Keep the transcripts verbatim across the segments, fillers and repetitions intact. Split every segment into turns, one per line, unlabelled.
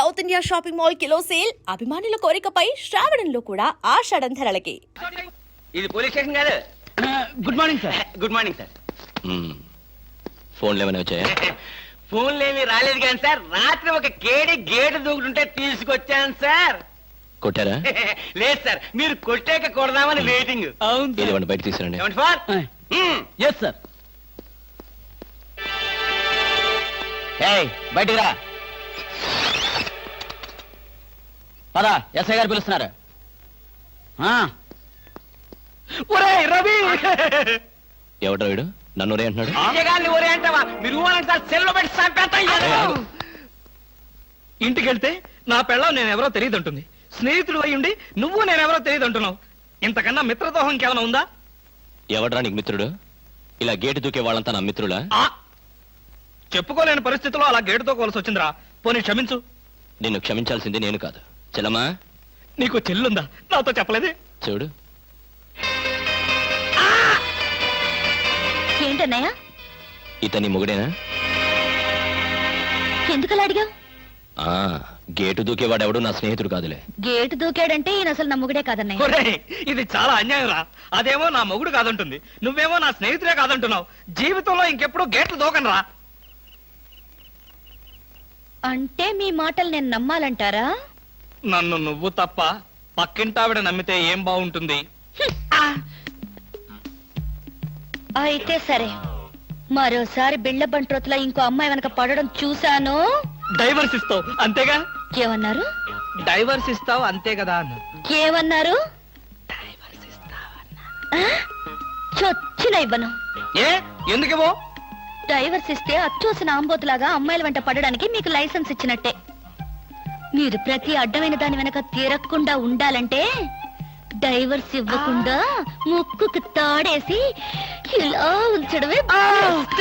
South India shopping mall kilo sale అభిమానుల కోరికపై శ్రావణంలో కూడా ఆషాఢం ధరలకి.
ఇది పోలీస్ స్టేషన్ కాదు.
Good morning sir.
Good morning sir.
ఫోన్లు ఏమైనా వచ్చాయా?
ఫోన్లు ఏమి రాలేదు కానీ సార్, రాత్రి ఒక కేడి గేటు దూకుంటుంటే తీసుకొచ్చాను సార్.
కొట్టారా?
లేదు సార్, మీరు కొట్టాక కొడదామని వెయిటింగ్.
అవును
ఏదేమన్నా బయట తీసుకురండి.
ఏమండి సార్?
Yes sir.
ఏయ్, బయటికి రా.
పద, ఎస్ఐ గారు పిలుస్తున్నారు.
ఒరే రవి,
ఎవడ్రా వీడు? నన్ను ఒరే అంటున్నాడు.
గారిని ఒరే అంటావా? మీరు ఊరంటే సార్ సెల్లో పెట్టి చంపేస్తాం.
ఇంటికి వెళ్తే నా పెళ్ళం నేనెవరో తెలియదు అంటుంది. స్నేహితుడు అయ్యుండి నువ్వు నేనెవరో తెలియదు అంటున్నావు. ఇంతకన్నా మిత్రదోహం ఇంకేమైనా ఉందా?
ఎవడ్రా నీకు మిత్రుడు? ఇలా గేటు దూకే వాళ్ళంతా నా మిత్రులా?
చెప్పుకోలేని పరిస్థితుల్లో అలా గేటుతో కోల్సి వచ్చిందిరా. పోనీ క్షమించు.
నిన్ను క్షమించాల్సింది నేను కాదు. చెల్లమ్మా,
నీకు చెల్లుందా? నాతో చెప్పలేదే.
చూడు,
ఏంటన్నయ్య?
ఇతని మొగుడేనా?
ఎందుకలా అడిగావు?
ఆ గేటు దూకేవాడెవడు నా స్నేహితుడు కాదులే.
గేటు దూకాడంటే ఈయన అసలు నా మొగుడే కాదన్నయ్య.
ఒరేయ్, ఇది చాలా అన్యాయం రా. అదేమో నా మొగుడు కాదంటుంది, నువ్వేమో నా స్నేహితుడే కాదంటున్నావు. జీవితంలో ఇంకెప్పుడు గేట్లు దూకనరా.
అంటే మీ మాటలు నేను నమ్మాలంటారా?
నన్ను నువ్వు తప్ప పక్కింటావిడ నమ్మితే ఏం బాగుంటుంది?
అయితే సరే, మరోసారి బిళ్ళ బంట్రోతులా ఇంకో అమ్మాయి వెనక పడడం చూశాను.
డైవర్స్ ఇస్తావు అంతేగా?
ఏమన్నారు?
డైవర్స్ ఇస్తావు అంతే కదా అన్న.
ఏమన్నారు? చొచ్చిన ఇవ్వను.
ఏ ఎందుకేమో?
డైవర్స్ ఇస్తే అచ్చోసిన ఆంబోతులాగా అమ్మాయిల వెంట పడడానికి మీకు లైసెన్స్ ఇచ్చినట్టే. మీరు ప్రతి అడ్డమైన దాని వెనక తీరకుండా ఉండాలంటే డైవర్స్ ఇవ్వకుండా ముక్కుకు తాడేసి ఇలా ఉంచడమే బెస్ట్.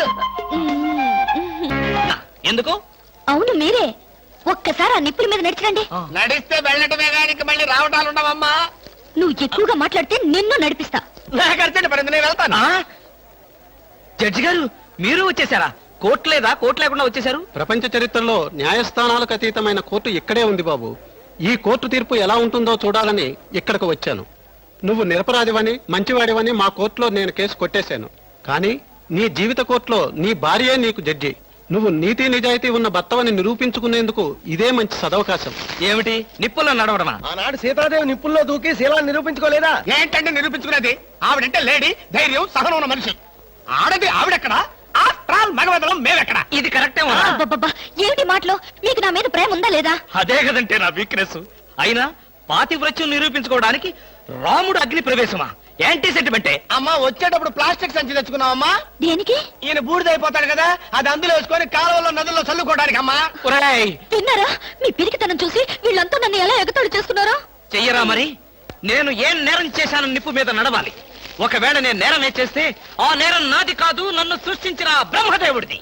ఎందుకు?
అవును మీరే. ఒక్కసారి ఆ నిప్పుల మీద నడిచిరండి.
నడిస్తే వెళ్ళటమే కానీ మళ్ళీ రావటాలు ఉండవమ్మా.
నువ్వు ఎక్కువగా మాట్లాడితే నిన్ను నడిపిస్తా.
నాకు అర్జెంట్ పడింది, నేను వెళ్తాను. జడ్జి గారు మీరు వచ్చేసారా? కోర్టు లేదా? కోర్టు లేకుండా వచ్చేసారు?
ప్రపంచ చరిత్రలో న్యాయస్థానాలకు అతీతమైన కోర్టు ఇక్కడే ఉంది బాబు. ఈ కోర్టు తీర్పు ఎలా ఉంటుందో చూడాలని ఇక్కడికి వచ్చాను. నువ్వు నిరపరాధివని మంచివాడివని మా కోర్టులో నేను కేసు కొట్టేశాను. కానీ నీ జీవిత కోర్టులో నీ భార్యే నీకు జడ్జి. నువ్వు నీతి నిజాయితీ ఉన్న భర్తవని నిరూపించుకునేందుకు ఇదే మంచి సదవకాశం.
ఏమిటి నిప్పుల్లో నడవడమా?
ఆనాడు సీతాదేవి నిప్పుల్లో దూకి శీలాన్ని నిరూపించుకోలేదా? ఏంటంటే నిరూపించుకునేది? ఆవిడంటే లేడీ, ధైర్యం, సహనం ఉన్న మనిషి. ఆడది ఆవిడెక్కడా? మగవదలం మేమెక్కడా?
ఇది కరెక్టే.
అబ్బబ్బబ్బా, ఏమిటి మాటలు? మీకు నా మీద ప్రేమ ఉందా లేదా?
అదే కదంటే నా వీక్నెస్. అయినా పాతివ్రత్యం నిరూపించుకోవడానికి రాముడు అగ్ని ప్రవేశమా? యాంటీ సెంటిమెంటే.
అమ్మా, వచ్చేటప్పుడు ప్లాస్టిక్ సంచి తెచ్చుకున్నావమ్మా.
దేనికి?
ఈయన బూడిదైపోతాడు కదా, అది అందులో వేసుకొని కాలువలో నదుల్లో చల్లుకోవడానికి అమ్మా.
విన్నారా? మీ పిరికితనం చూసి వీళ్ళంతా నన్ను ఎలా ఎగతాళి చేస్తున్నారో.
చెయ్యరా మరి? నేను ఏం నేరం చేశాను నిప్పు మీద నడవాలి. ఒకవేళ నేను నేరం చేస్తే ఆ నేరం నాది కాదు, నన్ను సృష్టించిన బ్రహ్మదేవుడిది.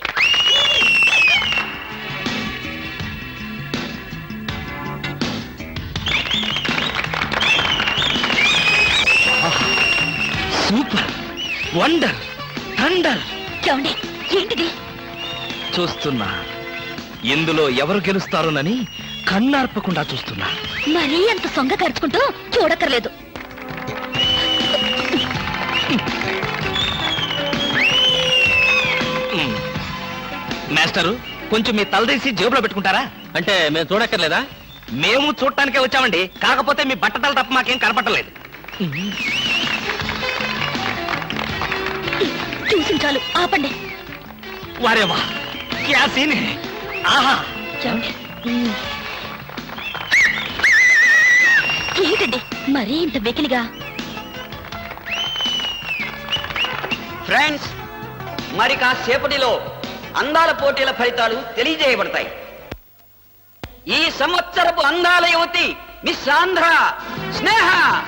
Super, wonder, thunder.
చూడండి, ఏంటిది?
చూస్తున్నా. ఇందులో ఎవరు గెలుస్తారోనని కన్నార్పకుండా చూస్తున్నా.
మరీ అంత సొంగ ఖర్చుకుంటూ చూడక్కర్లేదు.
మాస్టరు, కొంచెం మీ తలదీసి జేబులో పెట్టుకుంటారా?
అంటే మేము చూడక్కర్లేదా?
మేము చూడటానికే వచ్చామండి. కాకపోతే మీ బట్టతల తప్ప మాకేం కనపట్టలేదు.
చూసి చాలు, ఆపండి.
వారేవా, క్యా సీన్ హై. ఆహా,
ఏంటండి మరీ ఇంత వెకిలిగా?
ఫ్రెండ్స్, మరి కాసేపటిలో అందాల పోటీల ఫలితాలు తెలియజేయబడతాయి. ఈ సంవత్సరపు అందాల యువతి మిస్ ఆంధ్ర స్నేహ.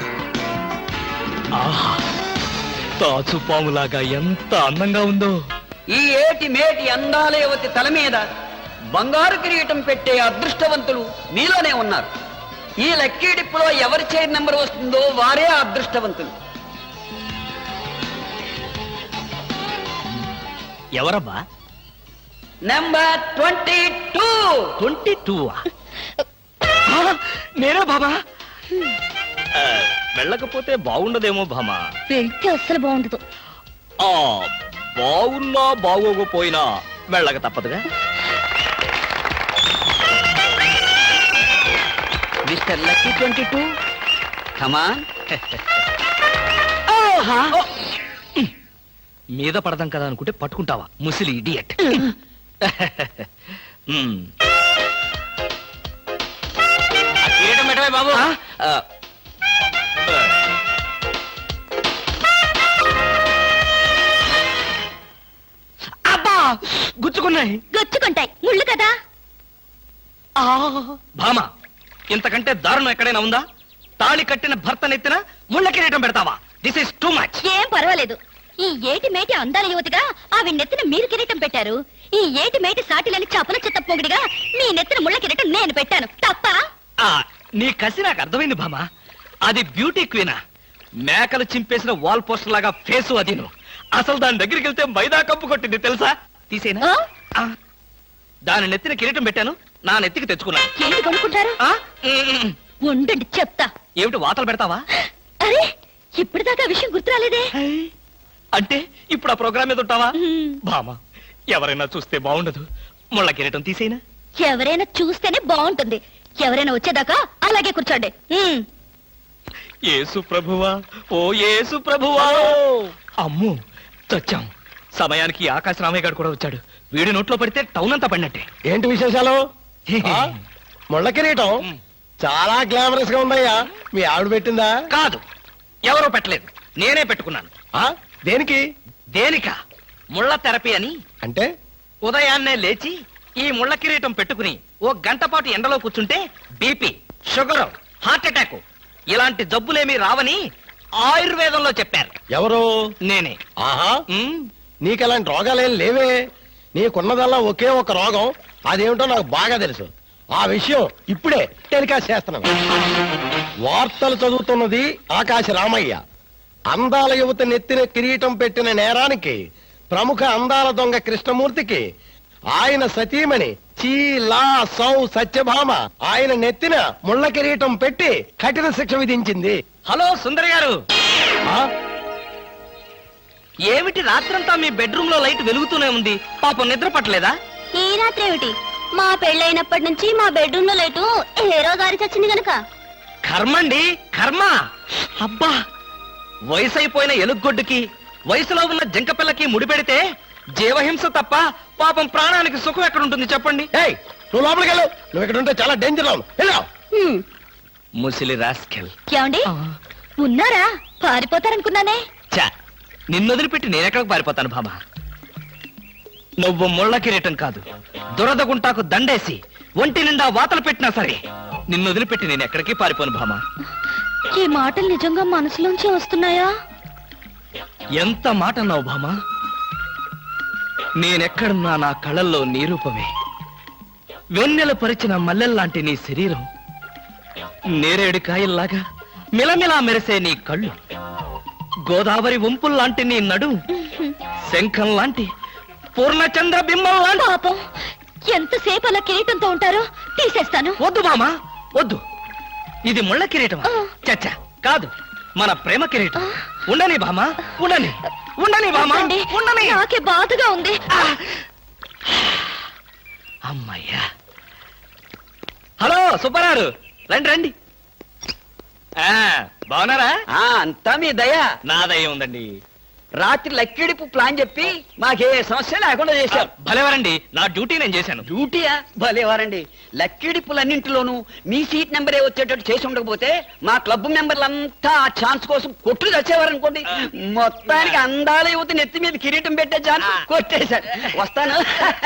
ఆహా, తాచు పాములాగా ఎంత అందంగా ఉందో.
ఈ ఏటి మేటి అందాల యువతి తల మీద బంగారు కిరీటం పెట్టే అదృష్టవంతులు మీలోనే ఉన్నారు. ఈ లక్కీ డిప్పులో ఎవరి చైర్ నెంబర్ వస్తుందో వారే అదృష్టవంతులు.
ఎవరబ్బా?
Number twenty two.
Twenty two నేనే భామా ఆ, వెళ్ళకపోతే బాగుండదేమో భామా.
వెళ్తే అస్సలు బాగుండదు.
ఆ బాగున్నా బాగోకపోయినా వెళ్ళక తప్పదుగా.
Mister lucky twenty two come on.
మీద పడదాం కదా అనుకుంటే పట్టుకుంటావా ముసిలి ఇడియట్. బాబు అబ్బా గుచ్చుకున్నాయి.
గొచ్చుకుంటాయి, ముళ్ళు కదా.
భామ, ఇంతకంటే దారుణం ఎక్కడైనా ఉందా? తాళి కట్టిన భర్త నెత్తిన ముళ్ళ కిరీటం పెడతావా? This is too much.
ఏం పర్వాలేదు. ఈ ఏటి మేటి అందాల యువతిగా ఆవి నెత్తిన మీరు కిరీటం పెట్టారు. ఈ ఏటి మేటి సాటిలేని చపల చెత్త పొగిడిగా మీ నెత్తిన ముళ్ళ కిరీటం నేను పెట్టాను. తప్ప?
ఆ, నీ కసి నాకు అర్థమైంది భామ. అది బ్యూటీ క్వీనా? మేకలు చింపేసిన వాల్ పోస్టర్ లాగా ఫేసు అది. నువ్వు అసలు దాని దగ్గరికి వెళ్తే మైదా కప్పు కొట్టింది తెలుసా? తీసేనా?
ఆ?
ఆ, దాని నెత్తిన కిరీటం పెట్టాను, నా నెత్తికి తెచ్చుకున్నాను.
ఏంటి కొనుక్కుంటారు?
ఆ? ఉమ్,
ఉండండి చెప్తా.
ఏమిటి వాతలు పెడతావా?
అరే, ఇప్పటిదాకా విషయం గుర్తురాలేదే.
అంటే ఇప్పుడు ఆ ప్రోగ్రామ్ మీద ఉంటావా?
మ్మ్.
భామ, ఎవరైనా చూస్తే బాగుండదు. ముళ్ళ కిరీటం తీసేనా?
ఎవరైనా చూస్తేనే బాగుంటుంది. ఎవరైనా వచ్చేదాకా అలాగే కూర్చోండి. ఉమ్.
యేసు ప్రభువా, ఓ యేసు ప్రభువా. అమ్ము, చచ్చాం. సమయానికి ఆకాశ రామయ్య గారు కూడా వచ్చాడు. వీడి నోట్లో పడితే టౌన్ అంతా పడినట్టే.
ఏంటి విశేషాలు? ఆ? ముళ్ళ కిరీటం చాలా గ్లామరస్ గా ఉందయ్యా. మీ ఆవిడ పెట్టిందా?
కాదు, ఎవరో పెట్టలేదు, నేనే పెట్టుకున్నాను.
ఆ? దేనికి?
దేనిక? ముళ్ళ థెరపీ అని.
అంటే
ఉదయాన్నే లేచి ఈ ముళ్ళ కిరీటం పెట్టుకుని ఓ గంట పాటు ఎండలో కూర్చుంటే బీపీ, షుగర్, హార్ట్ అటాక్ ఇలాంటి జబ్బులేమీ రావని ఆయుర్వేదంలో చెప్పారు.
ఎవరు?
నేనే.
ఆహా,
ఉమ్,
నీకలాంటి రోగాలేం లేవే. నీకున్నదల్లా ఒకే ఒక రోగం. అదేమిటో నాకు బాగా తెలుసు. ఆ విషయం ఇప్పుడే టెలికాస్ట్ చేస్తున్నాను. వార్తలు చదువుతున్నది ఆకాశ రామయ్య. అందాల యువత నెత్తిన కిరీటం పెట్టిన నేరానికి ప్రముఖ అందాల దొంగ కృష్ణమూర్తికి ఆయన సతీమణి చీలా సౌ సత్యభామ ఆయన నెత్తిన ముళ్ళ కిరీటం పెట్టి కఠిన శిక్ష విధించింది.
హలో సుందర్ గారు,
ఆ?
ఏమిటి రాత్రంతా మీ బెడ్రూమ్ లో లైట్ వెలుగుతూనే ఉంది? పాపం నిద్ర పట్టలేదా?
ఈ రాత్రి ఏమిటి? మా పెళ్ళైనప్పటి నుంచి మా బెడ్రూమ్ లో లేటు హీరో గారి చచ్చింది గనక.
కర్మండి, కర్మ. అబ్బా, వయసు అయిపోయిన ఎలుగొడ్డుకి వయసులో ఉన్న జంకపిల్లకి ముడిపెడితే జీవహింస తప్ప పాపం ప్రాణానికి సుఖం ఎక్కడుంటుంది చెప్పండి?
ఏయ్, నువ్వు లోపలికి వెళ్ళు. నువ్వు ఇక్కడ ఉంటే చాలా డేంజర్ అవును. వెళ్ళు.
హ్మ్.
ముసిలి రాస్కెల్.
ఏమండి ఉన్నారా? పారిపోతారనుకున్నానే.
చా, నిన్ను వదిలిపెట్టి నేనెక్కడికి పారిపోతాను బాబా? నువ్వు ముళ్ళ కిరీటం కాదు, దురద గుంటాకు దండేసి ఒంటి నిండా వాతలు పెట్టినా సరే నిన్ను వదిలిపెట్టి నేను ఎక్కడికి పారిపోను భామా.
ఈ మాటలు నిజంగా మనసులోంచి వస్తున్నాయా?
ఎంత మాట అన్నావు భామా. నేనెక్కడున్నా నా కళ్ళల్లో నీ రూపమే. వెన్నెల పరిచిన మల్లెల్లాంటి నీ శరీరం, నేరేడు కాయల్లాగా మిలమిలా మెరిసే నీ కళ్ళు, గోదావరి వంపుల్లాంటి నీ నడు, శంఖం లాంటి పూర్ణచంద్ర బింబం లాంటి.
పాపం, ఎంతసేపు అలా కిరీటంతో ఉంటారో తీసేస్తాను.
వద్దు బామా, వద్దు. ఇది ముళ్ళ కిరీటమా? చచ్చా, కాదు, మన ప్రేమ కిరీటం. ఉండని బామా, ఉండని, ఉండని బామా,
వద్దండి,
ఉండని.
నాకే బాధగా ఉంది.
అమ్మయ్యా. హలో సుబ్బారావు, రండి రండి. ఆ, బాగున్నారా?
ఆ, అంతా మీ దయ.
నా దయ ఉందండి.
రాత్రి లక్కిడిపు ప్లాన్ చెప్పి మాకే సమస్య లేకుండా చేశారు.
భలేవారండి, నా డ్యూటీ నేను చేశాను.
డ్యూటీయా? భలేవారండి. లక్కిడిపులన్నింటిలోనూ మీ సీట్ నెంబరే వచ్చేటట్టు చేసి ఉండకపోతే మా క్లబ్ మెంబర్లంతా ఆ ఛాన్స్ కోసం కొట్లు తెచ్చేవారనుకోండి. మొత్తానికి అందాల యువతి నెత్తి మీద కిరీటం పెట్టే ఛాన్స్ కొట్టేశాడు. వస్తాను.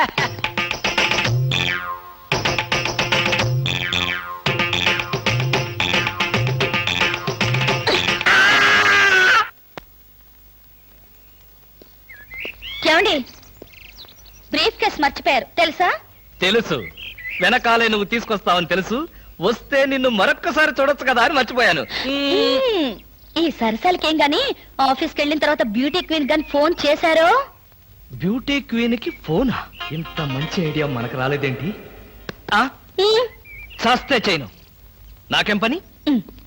ఏమండి, బ్రీఫ్ కేస్ మర్చిపోయారు తెలుసా?
తెలుసు, వెనకాలే నువ్వు తీసుకొస్తావని తెలుసు. వస్తే నిన్ను మరొక్కసారి చూడొచ్చు కదా అని మర్చిపోయాను.
మ్మ్. ఈ సరసాలకేం గాని ఆఫీస్కి వెళ్ళిన తర్వాత బ్యూటీ క్వీన్ గాని ఫోన్ చేశారో?
బ్యూటీ క్వీన్ కి ఫోనా? ఇంత మంచి ఐడియా మనకు రాలేదేంటి? ఆ,
మ్మ్.
చస్తే చేయను. నాకేం పని
ఉమ్.